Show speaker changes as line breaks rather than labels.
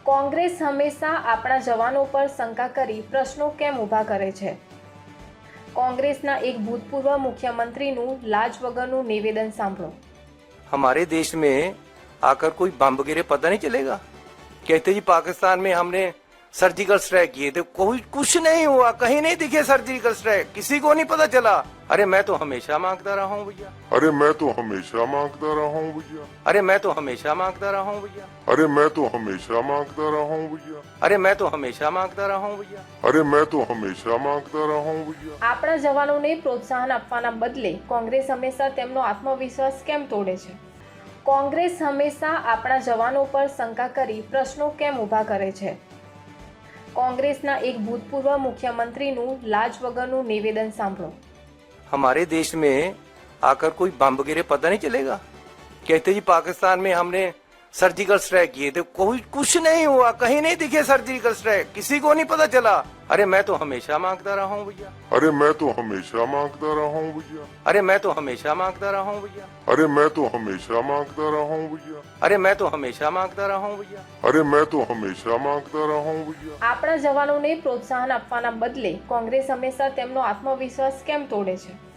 કોંગ્રેસ હંમેશા આપણા જવાનો પર શંકા કરી પ્રશ્નો કેમ ઊભા કરે છે? કોંગ્રેસના એક ભૂતપૂર્વ મુખ્યમંત્રીનું લાજ વગરનું નિવેદન સાંભળો।
हमारे देश में आकर कोई बम गिरे पता नहीं चलेगा। कहते जी पाकिस्तान में हमने सर्जिकल स्ट्राइक किए थे, कोई कुछ नहीं हुआ, कहीं नहीं दिखे सर्जिकल स्ट्राइक, किसी को नहीं पता चला। अरे मैं तो हमेशा मांगता रहा हूँ भैया,
अरे मैं तो हमेशा मांगता रहा हूँ भैया,
अरे मैं तो हमेशा मांगता रहा हूँ भैया,
अरे मैं तो हमेशा मांगता रहा हूँ भैया,
अरे मैं तो हमेशा मांगता रहा हूँ भैया,
अरे मैं तो हमेशा मांगता रहा हूँ भैया।
આપણા જવાનોને પ્રોત્સાહન આપવાના બદલે કોંગ્રેસ હંમેશા તેમનો આત્મવિશ્વાસ કેમ તોડે છે? કોંગ્રેસ હંમેશા આપણા જવાનો પર શંકા કરી પ્રશ્નો કેમ ઊભા કરે છે? કોંગ્રેસના એક ભૂતપૂર્વ મુખ્યમંત્રીનું લાજ વગરનું નિવેદન સાંભળો।
हमारे देश में आकर कोई बम गिरे पता नहीं चलेगा। कहते जी पाकिस्तान में हमने सर्जिकल स्ट्राइक किए थे, कोई कुछ नहीं हुआ, कहीं नहीं दिखे सर्जिकल स्ट्राइक, किसी को नहीं पता चला। अरे मैं तो हमेशा मांगता रहा हूँ भैया,
अरे मैं तो हमेशा मांगता रहा हूँ भैया,
अरे मैं तो हमेशा मांगता रहा हूँ भैया,
अरे मैं तो हमेशा मांगता रहा हूँ भैया,
अरे मैं तो हमेशा मांगता रहा हूँ भैया,
अरे मैं तो हमेशा मांगता रहा हूँ भैया।
આપણા જવાનોને પ્રોત્સાહન આપવાના બદલે કોંગ્રેસ હંમેશા તેમનો આત્મવિશ્વાસ કેમ તોડે છે?